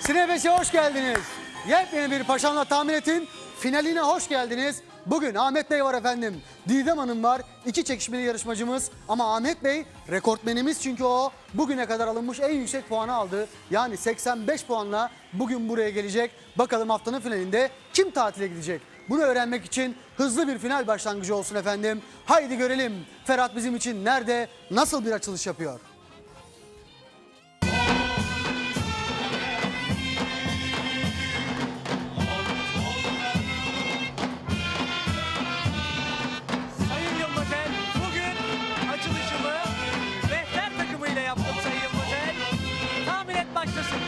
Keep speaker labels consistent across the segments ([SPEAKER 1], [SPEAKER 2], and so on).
[SPEAKER 1] Sine 5'e hoş geldiniz. Yepyeni bir Paşamla Tahmin Et'in finaline hoş geldiniz. Bugün Ahmet Bey var efendim. Didem Hanım var. İki çekişmeli yarışmacımız. Ama Ahmet Bey rekortmenimiz çünkü o bugüne kadar alınmış en yüksek puanı aldı. Yani 85 puanla bugün buraya gelecek. Bakalım haftanın finalinde kim tatile gidecek? Bunu öğrenmek için hızlı bir final başlangıcı olsun efendim. Haydi görelim Ferhat bizim için nerede, nasıl bir açılış yapıyor?
[SPEAKER 2] Sayın Yılmazel, bugün açılışımı rehber takımıyla yaptım Sayın Yılmazel. Tahmin et başlasın.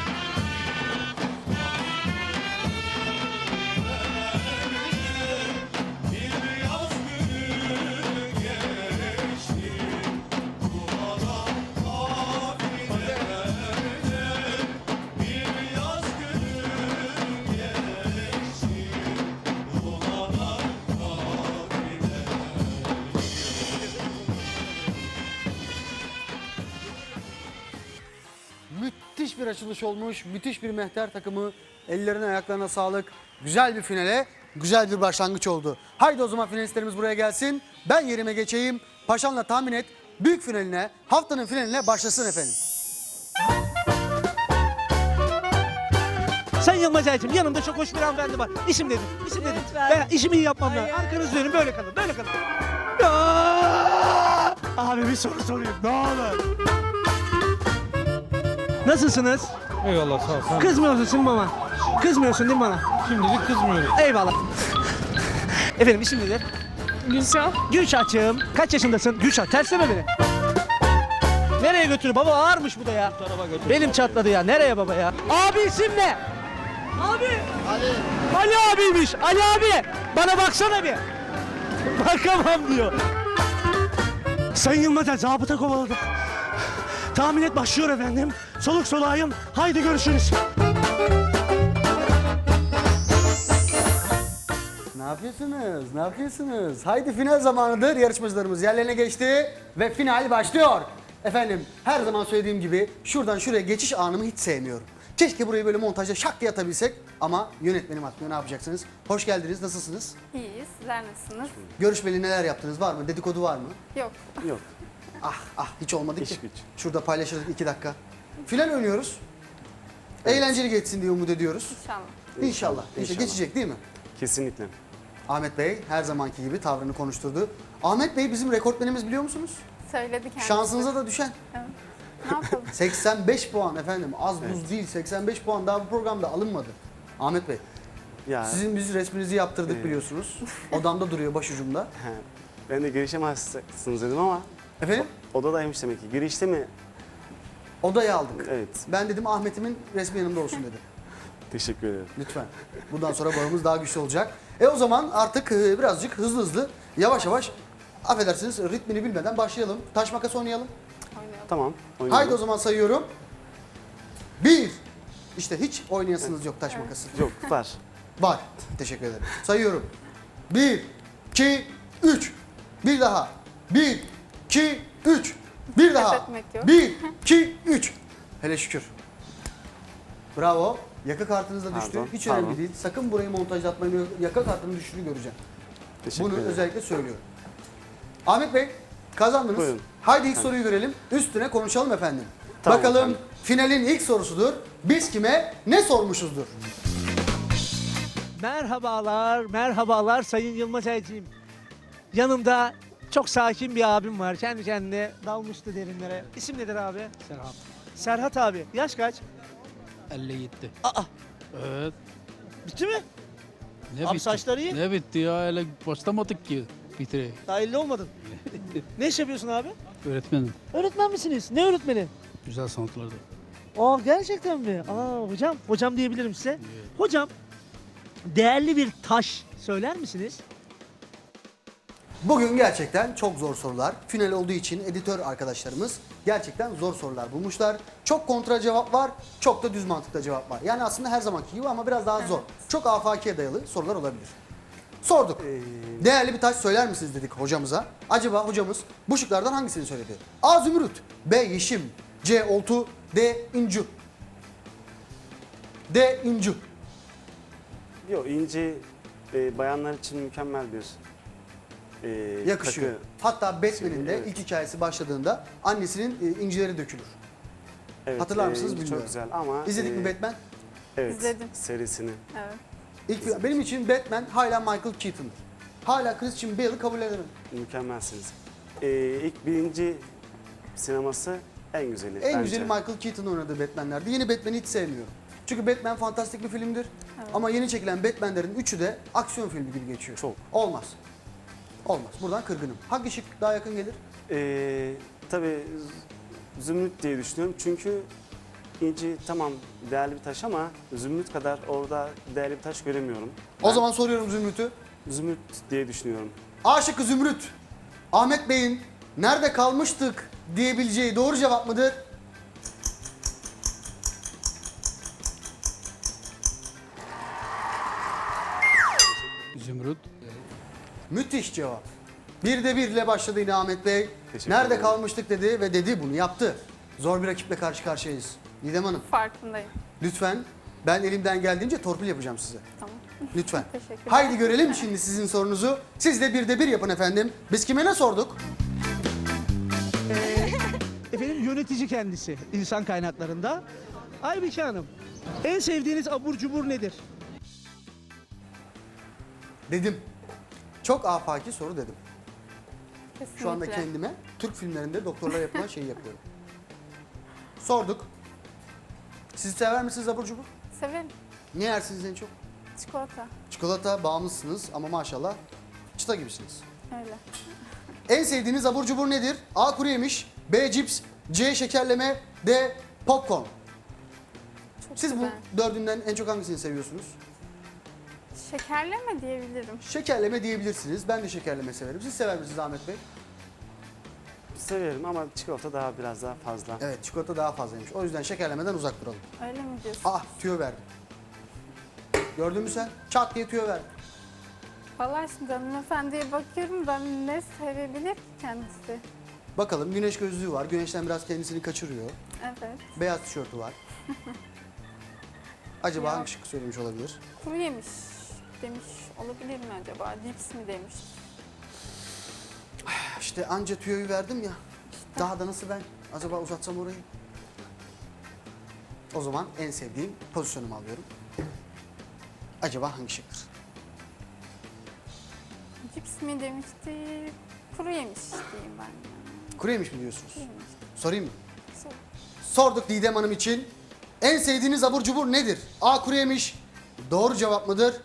[SPEAKER 1] Müthiş bir açılış olmuş. Müthiş bir mehter takımı. Ellerine ayaklarına sağlık. Güzel bir finale, güzel bir başlangıç oldu. Haydi o zaman finalistlerimiz buraya gelsin. Ben yerime geçeyim. Paşamla Tahmin Et büyük finaline, haftanın finaline başlasın efendim.
[SPEAKER 2] Sayın Yılmazel'cim, yanımda çok hoş bir hanımefendi var. İsim dedim, isim dedim. Ben işimi iyi yapmam lazım. Arkanızı dönün, böyle kalın, böyle kalın. Aa! Abi bir soru sorayım, ne olur. Nasılsınız?
[SPEAKER 3] Eyvallah sağ ol. Sen
[SPEAKER 2] Kızmıyorsun değil mi bana? Kızmıyorsun değil mi bana?
[SPEAKER 3] şimdilik kızmıyorum.
[SPEAKER 2] Eyvallah. Efendim isim nedir?
[SPEAKER 4] Gülşah.
[SPEAKER 2] Gülşah'cığım. Kaç yaşındasın? Gülşah tersleme beni. Nereye götürüyor? Baba ağırmış bu da ya. Belim çatladı ya. Nereye baba ya? Abi isim ne? Abi. Ali abiymiş. Ali abi. Bana baksana bir. Bakamam diyor. Sayın Yılmazel zabıta kovaladı. Tahmin et başlıyor efendim. Soluk soluğayım. Haydi görüşürüz.
[SPEAKER 1] Ne yapıyorsunuz? Ne yapıyorsunuz? Haydi final zamanıdır. Yarışmacılarımız yerlerine geçti ve final başlıyor. Efendim her zaman söylediğim gibi şuradan şuraya geçiş anımı hiç sevmiyorum. Keşke burayı böyle montajda şak diye atabilsek ama yönetmenim atmıyor. Ne yapacaksınız? Hoş geldiniz. Nasılsınız?
[SPEAKER 4] İyiyiz. Sizler nasılsınız?
[SPEAKER 1] Görüşmeli neler yaptınız? Var mı? Dedikodu var mı?
[SPEAKER 4] Yok.
[SPEAKER 3] Yok.
[SPEAKER 1] Ah hiç olmadı
[SPEAKER 3] İş
[SPEAKER 1] ki.
[SPEAKER 3] güç.
[SPEAKER 1] Şurada paylaşırdık 2 dakika. Final oynuyoruz. Eğlenceli geçsin diye umut ediyoruz.
[SPEAKER 4] İnşallah.
[SPEAKER 1] İnşallah.
[SPEAKER 3] İnşallah.
[SPEAKER 1] Geçecek değil mi?
[SPEAKER 3] Kesinlikle.
[SPEAKER 1] Ahmet Bey her zamanki gibi tavrını konuşturdu. Ahmet Bey bizim rekortmenimiz biliyor musunuz?
[SPEAKER 4] Söyledi kendisi.
[SPEAKER 1] Şansınıza da düşen.
[SPEAKER 4] Ne yapalım?
[SPEAKER 1] 85 puan efendim. Az buz değil. 85 puan daha bu programda alınmadı. Ahmet Bey,
[SPEAKER 3] Ya
[SPEAKER 1] sizin biz resminizi yaptırdık biliyorsunuz. Odamda duruyor başucumda.
[SPEAKER 3] he, ben de girişemezsiniz dedim ama
[SPEAKER 1] Efendim?
[SPEAKER 3] odadaymış demek ki. Girişte mi?
[SPEAKER 1] Odayı aldık.
[SPEAKER 3] Evet.
[SPEAKER 1] Ben dedim Ahmet'imin resmi yanımda olsun dedi.
[SPEAKER 3] Teşekkür ederim.
[SPEAKER 1] Lütfen. Bundan sonra bağımız daha güçlü olacak. O zaman artık birazcık hızlı yavaş yavaş affedersiniz ritmini bilmeden başlayalım. Taş makas oynayalım.
[SPEAKER 4] Oynayalım.
[SPEAKER 3] Tamam. Oynayalım.
[SPEAKER 1] Haydi o zaman sayıyorum. 1. İşte hiç oynayasınız yok taş makası.
[SPEAKER 3] Yok var.
[SPEAKER 1] Var. Teşekkür ederim. Sayıyorum. 1, 2, 3. Bir daha. 1, 2, 3. Bir daha.
[SPEAKER 4] etmek yok.
[SPEAKER 1] 1, 2, 3. Hele şükür. Bravo. Yaka kartınız da düştü.
[SPEAKER 3] Pardon,
[SPEAKER 1] Hiç
[SPEAKER 3] pardon.
[SPEAKER 1] önemli değil. Sakın burayı montajlatmayın. Yaka kartının düştüğünü göreceğim.
[SPEAKER 3] Teşekkür
[SPEAKER 1] Bunu
[SPEAKER 3] ederim.
[SPEAKER 1] özellikle söylüyorum. Ahmet Bey kazandınız.
[SPEAKER 3] Buyurun.
[SPEAKER 1] Haydi ilk soruyu görelim. Üstüne konuşalım efendim.
[SPEAKER 3] Tamam
[SPEAKER 1] Bakalım
[SPEAKER 3] efendim.
[SPEAKER 1] finalin ilk sorusudur. Biz kime ne sormuşuzdur?
[SPEAKER 2] Merhabalar, merhabalar Sayın Yılmazel'ciğim. Yanımda çok sakin bir abim var. Kendi kendine dalmıştı derinlere. İsim nedir abi?
[SPEAKER 5] Serhat.
[SPEAKER 2] Serhat abi. Yaş kaç?
[SPEAKER 5] 57.
[SPEAKER 2] Aa,
[SPEAKER 5] Evet.
[SPEAKER 2] bitti mi?
[SPEAKER 5] Ne
[SPEAKER 2] Abi
[SPEAKER 5] bitti?
[SPEAKER 2] saçları iyi.
[SPEAKER 5] Ne bitti ya? Öyle başlamadık ki bitire.
[SPEAKER 2] Daha 50 olmadın. Ne iş yapıyorsun abi?
[SPEAKER 5] Öğretmenim.
[SPEAKER 2] Öğretmen misiniz? Ne öğretmeni?
[SPEAKER 5] Güzel sanatlarda.
[SPEAKER 2] Aa gerçekten mi? Aa hocam diyebilirim size. Hocam değerli bir taş söyler misiniz?
[SPEAKER 1] Bugün gerçekten çok zor sorular. Final olduğu için editör arkadaşlarımız gerçekten zor sorular bulmuşlar. Çok kontra cevap var, çok da düz mantıkta cevap var. Yani aslında her zamanki gibi ama biraz daha zor. Çok afakiye dayalı sorular olabilir. Sorduk. Değerli bir taş söyler misiniz dedik hocamıza. Acaba hocamız bu şıklardan hangisini söyledi? A. Zümrüt, B. Yeşim, C. Oltu, D. İncu. D. İncu.
[SPEAKER 3] Yok inci bayanlar için mükemmel bir
[SPEAKER 1] Yakışıyor.
[SPEAKER 3] takı.
[SPEAKER 1] Hatta Batman'in de
[SPEAKER 3] Evet.
[SPEAKER 1] ilk hikayesi başladığında annesinin incileri dökülür.
[SPEAKER 3] Evet,
[SPEAKER 1] Hatırlar mısınız
[SPEAKER 3] inci
[SPEAKER 1] bilmiyorum.
[SPEAKER 3] Çok güzel ama...
[SPEAKER 1] İzledik mi Batman?
[SPEAKER 3] Evet,
[SPEAKER 4] İzledim.
[SPEAKER 3] serisini.
[SPEAKER 4] Evet.
[SPEAKER 1] Benim için Batman hala Michael Keaton'dır. Hala Christian Bale'ı kabul edemem.
[SPEAKER 3] Mükemmelsiniz. İlk birinci sineması en güzeli
[SPEAKER 1] En
[SPEAKER 3] bence.
[SPEAKER 1] güzeli Michael Keaton oynadığı Batman'lerdi. Yeni Batman'i hiç sevmiyorum. Çünkü Batman fantastik bir filmdir. Ama yeni çekilen Batman'lerin üçü de aksiyon filmi gibi geçiyor.
[SPEAKER 3] Çok.
[SPEAKER 1] Olmaz. Olmaz. Buradan kırgınım. Hangi şık daha yakın gelir?
[SPEAKER 3] Tabii zümrüt diye düşünüyorum çünkü inci tamam değerli bir taş ama zümrüt kadar orada değerli bir taş göremiyorum.
[SPEAKER 1] O zaman soruyorum Zümrüt'ü.
[SPEAKER 3] Zümrüt diye düşünüyorum.
[SPEAKER 1] A şıkkı Zümrüt. Ahmet Bey'in nerede kalmıştık diyebileceği doğru cevap mıdır?
[SPEAKER 5] Zümrüt.
[SPEAKER 1] Müthiş cevap. Bir de birle başladı yine Ahmet Bey.
[SPEAKER 3] Teşekkür
[SPEAKER 1] Nerede
[SPEAKER 3] ederim.
[SPEAKER 1] kalmıştık dedi ve dedi bunu yaptı. Zor bir rakiple karşı karşıyayız. Didem Hanım
[SPEAKER 4] Farkındayım.
[SPEAKER 1] lütfen ben elimden geldiğince torpil yapacağım size.
[SPEAKER 4] Tamam.
[SPEAKER 1] Lütfen.
[SPEAKER 4] Teşekkürler.
[SPEAKER 1] Haydi görelim şimdi sizin sorunuzu. Siz de bir de bir yapın efendim. Biz kime ne sorduk?
[SPEAKER 2] Efendim yönetici kendisi insan kaynaklarında. Aybike Hanım, en sevdiğiniz abur cubur nedir?
[SPEAKER 1] Dedim. Çok afaki soru dedim.
[SPEAKER 4] Kesinlikle.
[SPEAKER 1] Şu anda kendime Türk filmlerinde doktorlar yapılan şeyi yapıyorum. Sorduk. Siz sever misiniz abur cubur?
[SPEAKER 4] Severim.
[SPEAKER 1] Ne yersiniz en çok?
[SPEAKER 4] Çikolata.
[SPEAKER 1] Çikolata bağımlısınız ama maşallah çıta gibisiniz.
[SPEAKER 4] Öyle.
[SPEAKER 1] En sevdiğiniz abur cubur nedir? A. Kuru yemiş, B. Cips, C. Şekerleme, D. Popcorn.
[SPEAKER 4] Çok
[SPEAKER 1] Siz
[SPEAKER 4] güzel.
[SPEAKER 1] bu dördünden en çok hangisini seviyorsunuz?
[SPEAKER 4] Şekerleme diyebilirim.
[SPEAKER 1] Şekerleme diyebilirsiniz. Ben de şekerleme severim. Siz sever misiniz Ahmet Bey?
[SPEAKER 3] Severim ama çikolata daha biraz daha fazla.
[SPEAKER 1] Evet, çikolata daha fazlaymış. O yüzden şekerlemeden uzak duralım.
[SPEAKER 4] Öyle mi diyorsun?
[SPEAKER 1] Ah, tüyo verdim. Gördün mü sen? Çat diye tüyo verdim.
[SPEAKER 4] Vallahi şimdi hanımefendiye bakıyorum ben ne sevebilir ki kendisi?
[SPEAKER 1] Bakalım güneş gözlüğü var. Güneşten biraz kendisini kaçırıyor.
[SPEAKER 4] Evet.
[SPEAKER 1] Beyaz tişörtü var. Acaba
[SPEAKER 4] Ya.
[SPEAKER 1] hangi şıkkı söylemiş olabilir?
[SPEAKER 4] Kuru yemiş demiş olabilir mi acaba? Cips mi demiş?
[SPEAKER 1] İşte anca tüyoyu verdim ya. Daha da nasıl ben? Acaba uzatsam orayı? O zaman en sevdiğim pozisyonumu alıyorum. Acaba hangi şıktır?
[SPEAKER 4] Cips mi demişti? Kuru yemiş diyeyim ben ya.
[SPEAKER 1] Kuru yemiş mi diyorsunuz?
[SPEAKER 4] Kuru yemiş.
[SPEAKER 1] Sorayım mı?
[SPEAKER 4] Sor.
[SPEAKER 1] Sorduk Didem Hanım için. En sevdiğiniz abur cubur nedir? A. Kuru yemiş. Doğru cevap mıdır?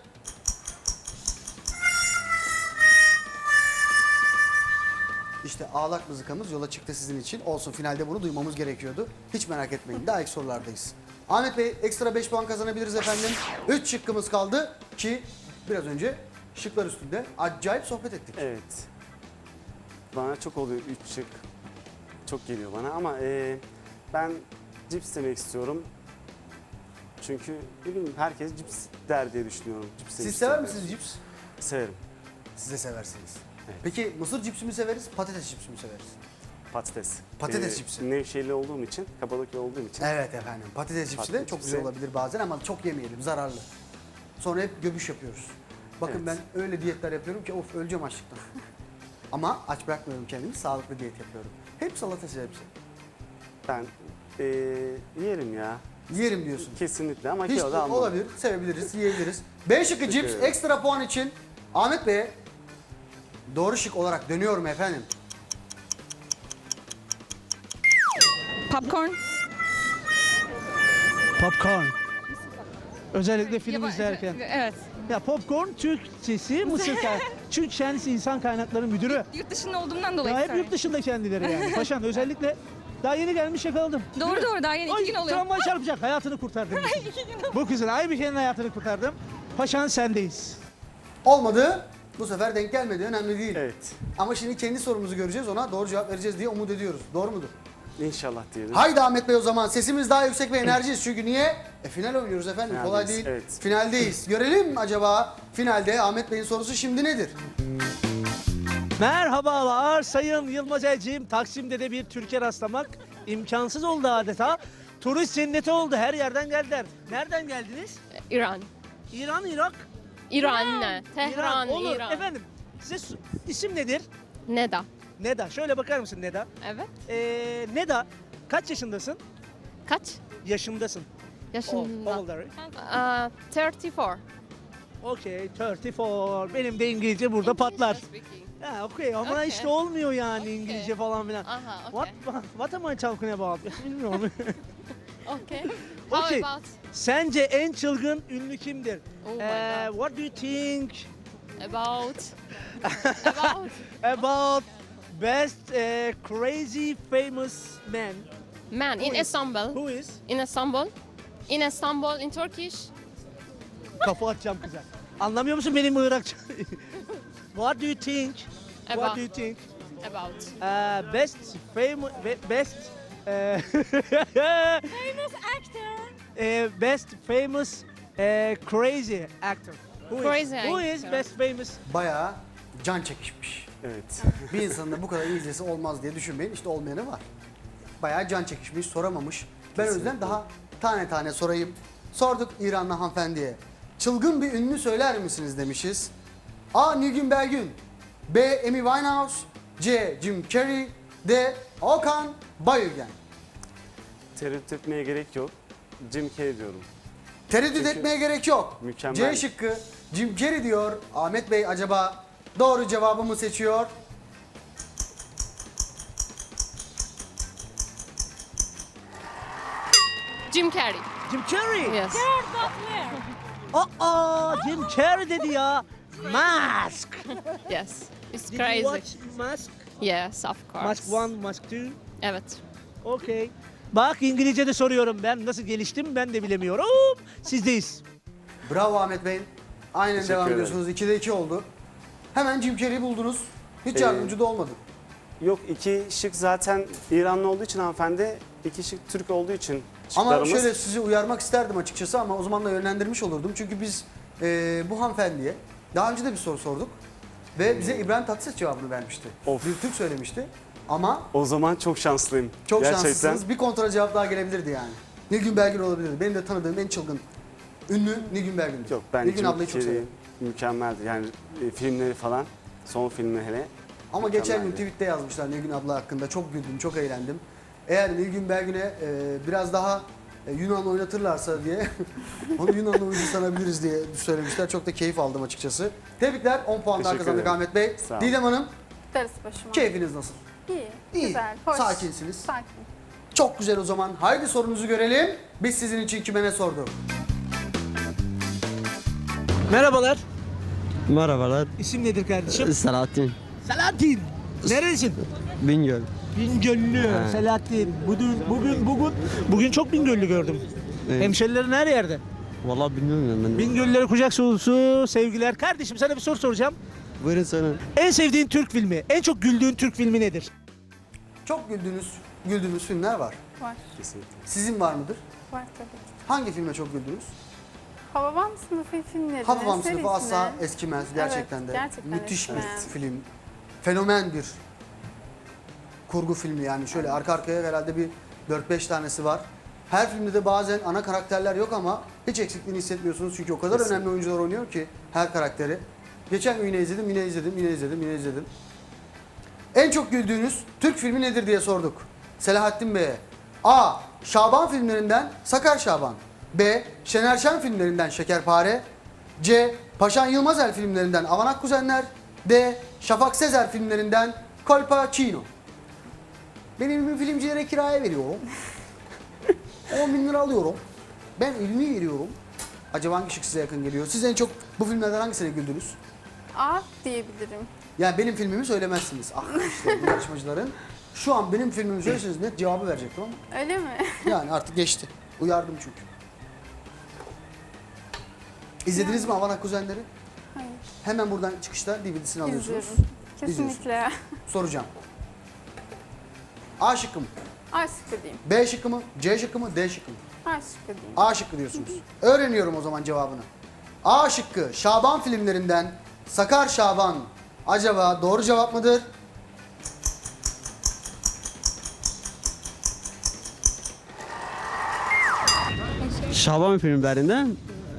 [SPEAKER 1] İşte ağlak mızıkamız yola çıktı sizin için. Olsun, finalde bunu duymamız gerekiyordu. Hiç merak etmeyin. Daha ilk sorulardayız. Ahmet Bey, ekstra 5 puan kazanabiliriz efendim. 3 şıkkımız kaldı ki biraz önce şıklar üstünde acayip sohbet ettik.
[SPEAKER 3] Evet. Bana çok oluyor 3 şık. Çok geliyor bana ama ben cips demek istiyorum. Çünkü ne bileyim herkes cips der diye düşünüyorum. Cips
[SPEAKER 1] Siz
[SPEAKER 3] demiş
[SPEAKER 1] sever
[SPEAKER 3] çok
[SPEAKER 1] misiniz cips?
[SPEAKER 3] Severim.
[SPEAKER 1] Siz de seversiniz.
[SPEAKER 3] Evet.
[SPEAKER 1] Peki mısır cipsi mi severiz, patates cipsi mi severiz?
[SPEAKER 3] Patates.
[SPEAKER 1] Patates cipsi.
[SPEAKER 3] Nevşehirli olduğum için, Kapadokya olduğum için.
[SPEAKER 1] Evet efendim. Patates cipsi de
[SPEAKER 3] Patates
[SPEAKER 1] çok
[SPEAKER 3] cipsi.
[SPEAKER 1] güzel olabilir bazen ama çok yemeyelim, zararlı. Sonra hep göbüş yapıyoruz. Bakın
[SPEAKER 3] Evet.
[SPEAKER 1] ben öyle diyetler yapıyorum ki of öleceğim açlıktan. Ama aç bırakmıyorum kendimi, sağlıklı diyet yapıyorum. Hep salatası hepsi.
[SPEAKER 3] Ben yerim ya.
[SPEAKER 1] Yerim diyorsun.
[SPEAKER 3] Kesinlikle ama
[SPEAKER 1] Hiç
[SPEAKER 3] kilo da almam.
[SPEAKER 1] olabilir, sevebiliriz, yiyebiliriz. B şıkkı cips
[SPEAKER 3] ederim.
[SPEAKER 1] ekstra puan için Ahmet Bey'e doğru şık olarak dönüyorum efendim.
[SPEAKER 6] Popcorn.
[SPEAKER 2] Popcorn. Özellikle film
[SPEAKER 6] Yabancı-
[SPEAKER 2] izlerken.
[SPEAKER 6] Evet.
[SPEAKER 2] Ya popcorn Türkçesi Mısır çünkü kendisi insan kaynakları müdürü.
[SPEAKER 6] Yurt dışında olduğumdan dolayı.
[SPEAKER 2] Ya hep
[SPEAKER 6] sorry.
[SPEAKER 2] yurt dışında kendileri yani. Paşam özellikle daha yeni gelmiş yakaladım.
[SPEAKER 6] Doğru doğru daha yeni 2 gün oluyor.
[SPEAKER 2] Tramvay çarpacak, hayatını kurtardım. Bu kızın Aybike'nin hayatını kurtardım. Paşan sendeyiz.
[SPEAKER 1] Olmadı. Bu sefer denk gelmedi. Önemli değil.
[SPEAKER 3] Evet.
[SPEAKER 1] Ama şimdi kendi sorumuzu göreceğiz. Ona doğru cevap vereceğiz diye umut ediyoruz. Doğru mudur?
[SPEAKER 3] İnşallah diyelim.
[SPEAKER 1] Haydi Ahmet Bey o zaman. Sesimiz daha yüksek ve enerjiyiz. Çünkü niye? Final oynuyoruz efendim. Kolay
[SPEAKER 3] Finaldeyiz,
[SPEAKER 1] değil.
[SPEAKER 3] evet.
[SPEAKER 1] Finaldeyiz. Görelim acaba finalde Ahmet Bey'in sorusu şimdi nedir?
[SPEAKER 2] Merhabalar Sayın Yılmaz Elçiğim. Taksim'de de bir Türkiye rastlamak imkansız oldu adeta. turist cenneti oldu. Her yerden geldiler. Nereden geldiniz?
[SPEAKER 6] İran.
[SPEAKER 2] İran, Irak.
[SPEAKER 6] İran. Tehran,
[SPEAKER 2] İran. Olur.
[SPEAKER 6] İran.
[SPEAKER 2] Efendim, isim nedir?
[SPEAKER 6] Neda.
[SPEAKER 2] Neda. Şöyle bakar mısın Neda?
[SPEAKER 6] Evet.
[SPEAKER 2] Neda, kaç yaşındasın?
[SPEAKER 6] Kaç
[SPEAKER 2] Yaşındasın.
[SPEAKER 6] yaşında?
[SPEAKER 2] Older.
[SPEAKER 6] 34.
[SPEAKER 2] Okay, 34. Benim de İngilizce burada patlar. Ha, okay ama
[SPEAKER 6] Okay.
[SPEAKER 2] işte olmuyor yani
[SPEAKER 6] Okay.
[SPEAKER 2] İngilizce falan filan.
[SPEAKER 6] Aha,
[SPEAKER 2] What,
[SPEAKER 6] okay.
[SPEAKER 2] what am I talking about? Bilmiyorum.
[SPEAKER 6] Okay.
[SPEAKER 2] Okay.
[SPEAKER 6] How about
[SPEAKER 2] Sence en çılgın ünlü kimdir?
[SPEAKER 6] Oh my God.
[SPEAKER 2] What do you think
[SPEAKER 6] about
[SPEAKER 2] about best crazy famous man?
[SPEAKER 6] man in Istanbul?
[SPEAKER 2] Who is?
[SPEAKER 6] In Istanbul? In Istanbul in Turkish?
[SPEAKER 2] Kafa atacağım kıza. Anlamıyor musun benim Irakça? What do you think? What
[SPEAKER 6] About.
[SPEAKER 2] do you think?
[SPEAKER 6] About
[SPEAKER 2] Best famous best
[SPEAKER 6] famous actor.
[SPEAKER 2] best famous crazy actor.
[SPEAKER 6] Crazy
[SPEAKER 2] Who is
[SPEAKER 6] actor.
[SPEAKER 2] best famous?
[SPEAKER 1] Bayağı can çekişmiş.
[SPEAKER 3] Evet.
[SPEAKER 1] Bir insanın da bu kadar İngilizcesi olmaz diye düşünmeyin. İşte olmayanı var. Bayağı can çekişmiş, soramamış. Ben o yüzden daha tane tane sorayım. Sorduk İranlı hanımefendiye. Çılgın bir ünlü söyler misiniz demişiz. A. Nilgün Belgün, B. Amy Winehouse, C. Jim Carrey, D. Okan Bayülgen.
[SPEAKER 3] Tereddüt etmeye gerek yok. Jim Carrey diyorum.
[SPEAKER 1] Tereddüt
[SPEAKER 3] Çünkü
[SPEAKER 1] etmeye gerek yok.
[SPEAKER 3] mükemmel.
[SPEAKER 1] C şıkkı Jim Carrey diyor. Ahmet Bey acaba doğru cevabı mı seçiyor?
[SPEAKER 6] Jim Carrey.
[SPEAKER 2] Jim Carrey.
[SPEAKER 6] Yes.
[SPEAKER 2] Jim Carrey dedi ya. Mask.
[SPEAKER 6] Yes. It's
[SPEAKER 2] Did you
[SPEAKER 6] crazy.
[SPEAKER 2] watch Mask?
[SPEAKER 6] Yes, of course.
[SPEAKER 2] Mask 1, Mask 2.
[SPEAKER 6] Evet.
[SPEAKER 2] Okay. Bak İngilizce'de soruyorum ben. Nasıl geliştim ben de bilemiyorum. Sizdeyiz.
[SPEAKER 1] Bravo Ahmet Bey. Aynen
[SPEAKER 3] Teşekkür
[SPEAKER 1] devam
[SPEAKER 3] ederim.
[SPEAKER 1] ediyorsunuz. 2'de 2 oldu. Hemen Jim Carrey'i buldunuz. Hiç yardımcı da olmadı.
[SPEAKER 3] Yok, iki şık zaten İranlı olduğu için hanımefendi, iki şık Türk olduğu için
[SPEAKER 1] Ama
[SPEAKER 3] şıklarımız.
[SPEAKER 1] şöyle sizi uyarmak isterdim açıkçası ama o zaman da yönlendirmiş olurdum. Çünkü biz bu hanımefendiye daha önce de bir soru sorduk. Ve bize İbrahim Tatlıses cevabını vermişti.
[SPEAKER 3] Of.
[SPEAKER 1] Bir Türk söylemişti. Ama
[SPEAKER 3] O zaman çok şanslıyım.
[SPEAKER 1] çok
[SPEAKER 3] Gerçekten.
[SPEAKER 1] şanslısınız. Bir kontrol cevap daha gelebilirdi yani. Nilgün Belgün olabilirdi. Benim de tanıdığım en çılgın ünlü Nilgün Belgün'dü.
[SPEAKER 3] Yok, ben
[SPEAKER 1] Nilgün
[SPEAKER 3] Jim
[SPEAKER 1] ablayı çok
[SPEAKER 3] Carrey
[SPEAKER 1] severim.
[SPEAKER 3] mükemmeldi. Yani filmleri falan, son filmi hele.
[SPEAKER 1] Ama geçen gün
[SPEAKER 3] mükemmeldi.
[SPEAKER 1] tweette yazmışlar Nilgün abla hakkında. Çok güldüm, çok eğlendim. Eğer Nilgün Belgün'e biraz daha Yunan oynatırlarsa diye onu Yunanlı oyuncu sanabiliriz diye söylemişler. Çok da keyif aldım açıkçası. Tebrikler. 10 puan daha
[SPEAKER 3] Teşekkür
[SPEAKER 1] kazandık
[SPEAKER 3] ederim.
[SPEAKER 1] Ahmet Bey.
[SPEAKER 3] Sağ olun.
[SPEAKER 1] Didem Hanım,
[SPEAKER 4] Darısı başıma.
[SPEAKER 1] keyfiniz nasıl?
[SPEAKER 4] İyi,
[SPEAKER 1] İyi,
[SPEAKER 4] güzel, hoş.
[SPEAKER 1] sakinsiniz.
[SPEAKER 4] Sakin.
[SPEAKER 1] Çok güzel o zaman. Haydi sorunuzu görelim. Biz sizin için kime ne sorduk?
[SPEAKER 2] Merhabalar.
[SPEAKER 7] Merhabalar.
[SPEAKER 2] İsim nedir kardeşim?
[SPEAKER 7] Selahattin.
[SPEAKER 2] Selahattin. Neresin?
[SPEAKER 7] Bingöl.
[SPEAKER 2] Bingöllü.
[SPEAKER 7] He.
[SPEAKER 2] Selahattin. Bugün çok Bingöllü gördüm.
[SPEAKER 7] Evet.
[SPEAKER 2] Hemşerilerin her yerde.
[SPEAKER 7] Vallahi bilmiyorum ben.
[SPEAKER 2] Bingöllülere kucak dolusu sevgiler. Kardeşim sana bir soru soracağım.
[SPEAKER 7] Buyurun sorun.
[SPEAKER 2] En sevdiğin Türk filmi, en çok güldüğün Türk filmi nedir?
[SPEAKER 1] Çok güldüğünüz filmler var.
[SPEAKER 4] Var,
[SPEAKER 3] Kesinlikle.
[SPEAKER 1] Sizin var mıdır?
[SPEAKER 4] var tabii ki.
[SPEAKER 1] Hangi filme çok güldünüz?
[SPEAKER 4] Hababam sınıfı filmleri.
[SPEAKER 1] Hababam
[SPEAKER 4] serisine-
[SPEAKER 1] sınıfı asla eskimez gerçekten de.
[SPEAKER 4] gerçekten
[SPEAKER 1] Müthiş bir
[SPEAKER 4] eskimez.
[SPEAKER 1] film. Fenomen bir kurgu filmi yani şöyle arka arkaya herhalde bir 4-5 tanesi var. Her filmde de bazen ana karakterler yok ama hiç eksikliğini hissetmiyorsunuz çünkü o kadar
[SPEAKER 3] Kesinlikle.
[SPEAKER 1] önemli oyuncular oynuyor ki her karakteri. Geçen gün yine izledim. En çok güldüğünüz Türk filmi nedir diye sorduk. Selahattin Bey'e. A. Şaban filmlerinden Sakar Şaban. B. Şener Şen filmlerinden Şekerpare. C. Paşan Yılmazel filmlerinden Avanak Kuzenler. D. Şafak Sezer filmlerinden Colpacino. Ben evimi filmcilere kiraya veriyorum. 10 bin lira alıyorum. Ben evimi veriyorum. Acaba hangi şık size yakın geliyor? Siz en çok bu filmlerden hangisine güldünüz?
[SPEAKER 4] A diyebilirim.
[SPEAKER 1] Yani benim filmimi söylemezsiniz. Ah işte bu yarışmacıların. Şu an benim filmimi söyleseniz net cevabı verecektim ama.
[SPEAKER 4] Öyle mi?
[SPEAKER 1] Yani artık geçti. Uyardım çünkü. İzlediniz mi Avanak Kuzenleri?
[SPEAKER 4] Hayır.
[SPEAKER 1] Hemen buradan çıkışta DVD'sini alıyorsunuz.
[SPEAKER 4] İzliyorum. Kesinlikle.
[SPEAKER 1] Soracağım. A şıkkı mı?
[SPEAKER 4] A şıkkı diyeyim.
[SPEAKER 1] B şıkkı mı? C şıkkı mı? D şıkkı mı?
[SPEAKER 4] A şıkkı diyeyim.
[SPEAKER 1] A şıkkı diyorsunuz. Öğreniyorum o zaman cevabını. A şıkkı Şaban filmlerinden Sakar Şaban. Acaba doğru cevap mıdır?
[SPEAKER 7] Şaban filmlerinden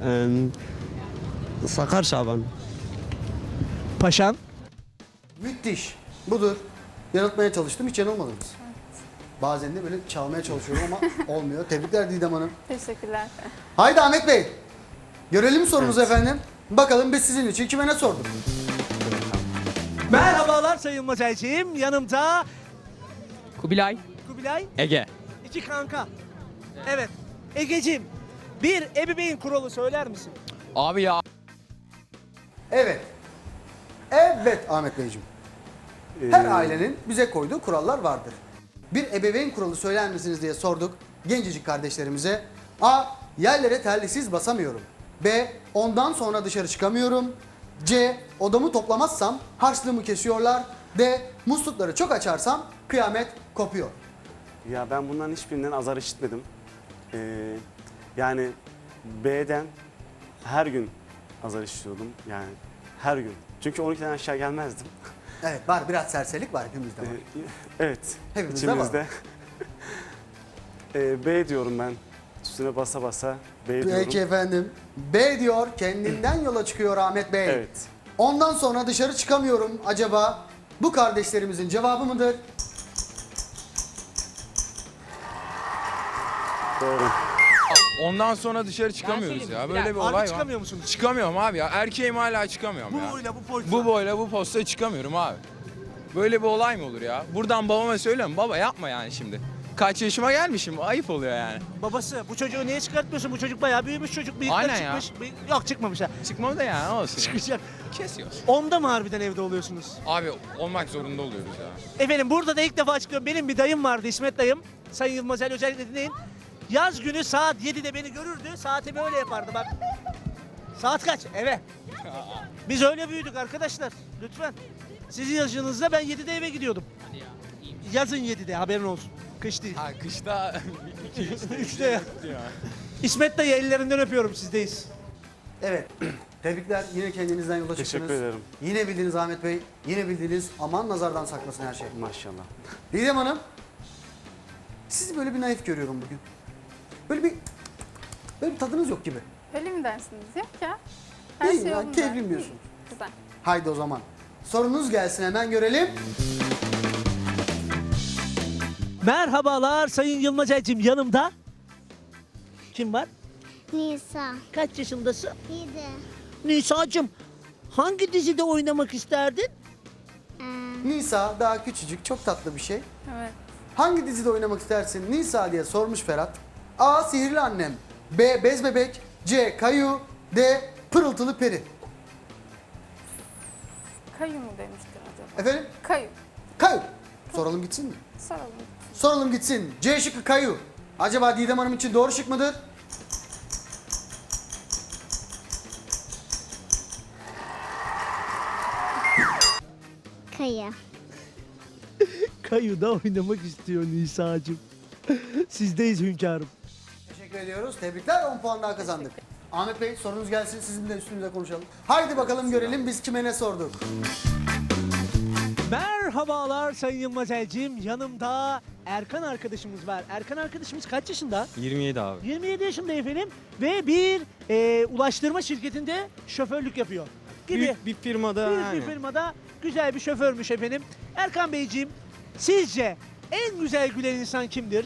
[SPEAKER 7] Sakar Şaban.
[SPEAKER 2] Paşan.
[SPEAKER 1] Müthiş. Budur. Yanıltmaya çalıştım. Hiç yanılmadınız. Bazen de böyle çalmaya çalışıyorum ama olmuyor. Tebrikler Didem Hanım.
[SPEAKER 4] Teşekkürler.
[SPEAKER 1] Haydi Ahmet Bey. Görelim sorunuzu efendim. Bakalım biz sizin için kime ne sorduk?
[SPEAKER 2] Merhabalar Sayın Motelciğim. Yanımda
[SPEAKER 8] Kubilay.
[SPEAKER 2] Kubilay.
[SPEAKER 8] Ege.
[SPEAKER 2] İki kanka. Evet. Egeciğim, bir ebeveyn kuralı söyler misin?
[SPEAKER 8] Abi ya.
[SPEAKER 1] Evet. Evet Ahmet Beyciğim. Her ailenin bize koyduğu kurallar vardır. Bir ebeveyn kuralı söyler misiniz diye sorduk gencecik kardeşlerimize. A. Yerlere terlisiz basamıyorum. B. Ondan sonra dışarı çıkamıyorum. C. Odamı toplamazsam harçlığımı kesiyorlar. D. Muslukları çok açarsam kıyamet kopuyor.
[SPEAKER 3] Ya ben bunların hiçbirinden azar işitmedim. Yani B'den her gün azar işitiyordum. Yani her gün. Çünkü 12'den aşağı gelmezdim.
[SPEAKER 1] Evet var biraz serserilik var hepimizde var.
[SPEAKER 3] Evet.
[SPEAKER 1] Hepimizde var.
[SPEAKER 3] içimizde. B diyorum ben. Üstüne basa basa B diyorum.
[SPEAKER 1] Peki efendim. B diyor kendinden yola çıkıyor Ahmet Bey.
[SPEAKER 3] Evet.
[SPEAKER 1] Ondan sonra dışarı çıkamıyorum. Acaba bu kardeşlerimizin cevabı mıdır?
[SPEAKER 3] Doğru.
[SPEAKER 9] Ondan sonra dışarı çıkamıyoruz ya. Böyle bir olay var.
[SPEAKER 2] çıkamıyor musunuz?
[SPEAKER 9] Çıkamıyorum abi ya. Erkeğim hala çıkamıyorum ya.
[SPEAKER 2] Bu boyla bu pozla.
[SPEAKER 9] Bu boyla bu posta çıkamıyorum abi. Böyle bir olay mı olur ya? Buradan babama söylüyorum. Baba yapma yani şimdi. Kaç yaşıma gelmişim. Ayıp oluyor yani.
[SPEAKER 2] Babası bu çocuğu niye çıkartmıyorsun? Bu çocuk bayağı büyümüş çocuk. Bıyıkları
[SPEAKER 9] Aynen ya.
[SPEAKER 2] çıkmış. Yok çıkmamış ha.
[SPEAKER 9] Çıkmam da yani olsun. ya.
[SPEAKER 2] Çıkacak.
[SPEAKER 9] Kesiyoruz.
[SPEAKER 2] Onda mı harbiden evde oluyorsunuz?
[SPEAKER 9] Abi olmak zorunda oluyoruz ya.
[SPEAKER 2] Efendim burada da ilk defa açıklıyorum. Benim bir dayım vardı İsmet dayım. Sayın Yılmazel özellikle dinleyin. Yaz günü saat 7'de beni görürdü. Saati böyle yapardı bak. Saat kaç? Eve. Biz öyle büyüdük arkadaşlar. Lütfen. Sizin yaşınızda ben 7'de eve gidiyordum. Yazın 7'de haberin olsun. Kış değil.
[SPEAKER 9] Ha kışta
[SPEAKER 2] 3'te ya. İsmet dayı ellerinden öpüyorum sizdeyiz.
[SPEAKER 1] Evet. Tebrikler. Yine kendinizden yola çıktınız.
[SPEAKER 3] Teşekkür ederim.
[SPEAKER 1] Yine bildiniz Ahmet Bey. Yine bildiniz. Aman nazardan saklasın her şey.
[SPEAKER 3] Maşallah.
[SPEAKER 1] Didem Hanım. Sizi böyle bir naif görüyorum bugün. Böyle bir tadınız yok gibi.
[SPEAKER 4] Öyle mi dersiniz? Yok ya. Her
[SPEAKER 1] İyi
[SPEAKER 4] şey
[SPEAKER 1] ya,
[SPEAKER 4] yolunda.
[SPEAKER 1] keyifliyim diyorsun.
[SPEAKER 4] Güzel.
[SPEAKER 1] Haydi o zaman. Sorunuz gelsin hemen görelim.
[SPEAKER 2] Merhabalar Sayın Yılmazel'cim yanımda. Kim var?
[SPEAKER 10] Nisa.
[SPEAKER 2] Kaç yaşındasın?
[SPEAKER 10] 7.
[SPEAKER 2] Nisa'cığım hangi dizide oynamak isterdin?
[SPEAKER 1] Nisa daha küçücük, çok tatlı bir şey.
[SPEAKER 4] Evet.
[SPEAKER 1] Hangi dizide oynamak istersin Nisa diye sormuş Ferhat. A. Sihirli Annem. B. Bez Bebek. C. Kayu. D. Pırıltılı Peri.
[SPEAKER 4] Kayu mu demiştin acaba?
[SPEAKER 1] Efendim?
[SPEAKER 4] Kayu.
[SPEAKER 1] Kayu. Soralım gitsin mi?
[SPEAKER 4] Soralım.
[SPEAKER 1] Soralım gitsin. C şıkkı Kayu. Acaba Didem Hanım için doğru şık mıdır?
[SPEAKER 10] Kaya.
[SPEAKER 2] Kayu'da oynamak istiyor Nisa'cığım. Sizdeyiz hünkârım.
[SPEAKER 1] Teşekkür ediyoruz. Tebrikler. 10 puan daha kazandık. Ahmet Bey sorunuz gelsin. Sizin de üstünüze konuşalım. Haydi bakalım görelim biz kime ne sorduk.
[SPEAKER 2] Merhabalar Sayın Yılmazel'cim. Yanımda Erkan arkadaşımız var. Erkan arkadaşımız kaç yaşında?
[SPEAKER 7] 27 abi.
[SPEAKER 2] 27 yaşında efendim. Ve bir ulaştırma şirketinde şoförlük yapıyor. Gibi.
[SPEAKER 7] Büyük bir firmada
[SPEAKER 2] Büyük bir firmada güzel bir şoförmüş efendim. Erkan Beyciğim sizce en güzel gülen insan kimdir?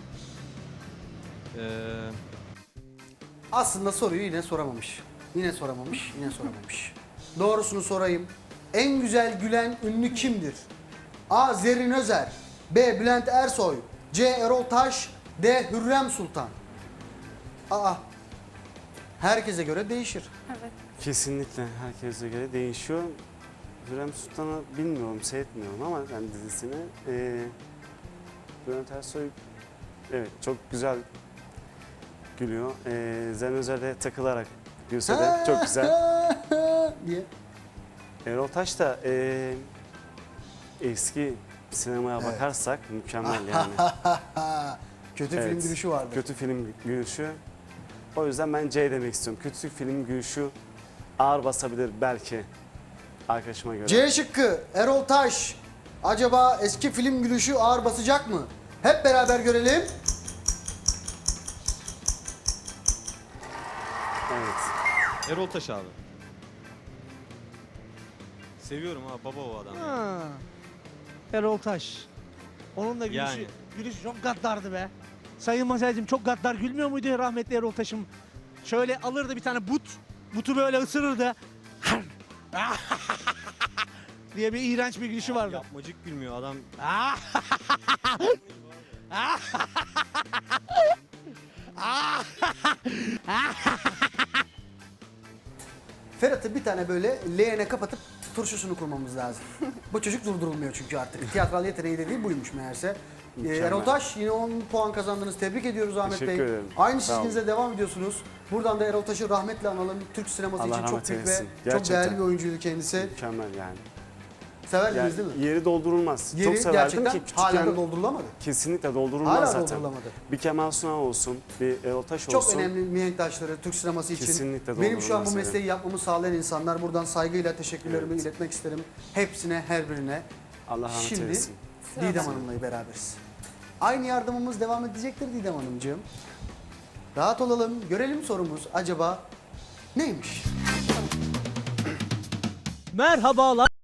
[SPEAKER 1] Aslında soruyu yine soramamış. Yine soramamış. Yine soramamış. Doğrusunu sorayım. En güzel gülen ünlü kimdir? A. Zerrin Özer. B. Bülent Ersoy. C. Erol Taş. D. Hürrem Sultan. Aa. Herkese göre değişir.
[SPEAKER 4] Evet.
[SPEAKER 3] Kesinlikle herkese göre değişiyor. Hürrem Sultan'ı bilmiyorum, seyretmiyorum ama ben dizisini. Bülent Ersoy evet çok güzel gülüyor. Zerrin Özer'de takılarak gülse de çok güzel.
[SPEAKER 1] diye.
[SPEAKER 3] Erol Taş da eski sinemaya
[SPEAKER 1] Evet.
[SPEAKER 3] bakarsak mükemmel yani.
[SPEAKER 1] Kötü
[SPEAKER 3] Evet.
[SPEAKER 1] film gülüşü vardı.
[SPEAKER 3] Kötü film gülüşü. O yüzden ben C demek istiyorum. Kötü film gülüşü ağır basabilir belki arkadaşıma göre.
[SPEAKER 1] C şıkkı Erol Taş. Acaba eski film gülüşü ağır basacak mı? Hep beraber görelim.
[SPEAKER 7] Erol Taş abi. Seviyorum abi, baba o adam.
[SPEAKER 2] Ha. Erol Taş. Onun da gülüşü,
[SPEAKER 7] Yani.
[SPEAKER 2] gülüşü çok gaddardı be. Sayın Masel'cim çok gaddar gülmüyor muydu ya rahmetli Erol Taş'ım? Şöyle alırdı bir tane butu böyle ısırırdı. diye bir iğrenç bir gülüşü vardı.
[SPEAKER 7] Yapmacık gülmüyor adam.
[SPEAKER 1] Ferhat'ı bir tane böyle leğene kapatıp turşusunu kurmamız lazım. Bu çocuk durdurulmuyor çünkü artık. Tiyatral yeteneği dediği buymuş meğerse.
[SPEAKER 3] Mükemmel.
[SPEAKER 1] Erol Taş yine 10 puan kazandınız. Tebrik ediyoruz Ahmet
[SPEAKER 3] Teşekkür
[SPEAKER 1] Bey.
[SPEAKER 3] ederim.
[SPEAKER 1] Aynı
[SPEAKER 3] Sağ olun.
[SPEAKER 1] çizginize devam ediyorsunuz. Buradan da Erol Taş'ı rahmetle analım. Türk sineması
[SPEAKER 3] Allah
[SPEAKER 1] için çok
[SPEAKER 3] rahmet
[SPEAKER 1] büyük ve
[SPEAKER 3] eylesin.
[SPEAKER 1] çok
[SPEAKER 3] Gerçekten.
[SPEAKER 1] değerli bir oyuncuydu kendisi.
[SPEAKER 3] Mükemmel yani.
[SPEAKER 1] Severdiniz değil mi?
[SPEAKER 3] Yeri doldurulmaz.
[SPEAKER 1] Yeri
[SPEAKER 3] Çok severdim
[SPEAKER 1] gerçekten
[SPEAKER 3] ki
[SPEAKER 1] hala
[SPEAKER 3] küçükken
[SPEAKER 1] da doldurulamadı.
[SPEAKER 3] kesinlikle doldurulmaz
[SPEAKER 1] Hala
[SPEAKER 3] zaten.
[SPEAKER 1] doldurulamadı.
[SPEAKER 3] Bir Kemal Sunal olsun, bir Erol Taş
[SPEAKER 1] Çok
[SPEAKER 3] olsun.
[SPEAKER 1] önemli mihenk taşları Türk sineması için.
[SPEAKER 3] Kesinlikle
[SPEAKER 1] Benim şu an bu
[SPEAKER 3] doldurulmaz
[SPEAKER 1] mesleği yapmamı sağlayan insanlar. Buradan saygıyla teşekkürlerimi
[SPEAKER 3] Evet.
[SPEAKER 1] iletmek isterim. Hepsine, her birine.
[SPEAKER 3] Allah rahmet
[SPEAKER 1] Şimdi
[SPEAKER 3] eylesin.
[SPEAKER 1] Didem Hanım'la beraberiz. Aynı yardımımız devam edecektir Didem Hanımcığım. Rahat olalım, görelim sorumuz acaba neymiş?
[SPEAKER 2] Merhabalar.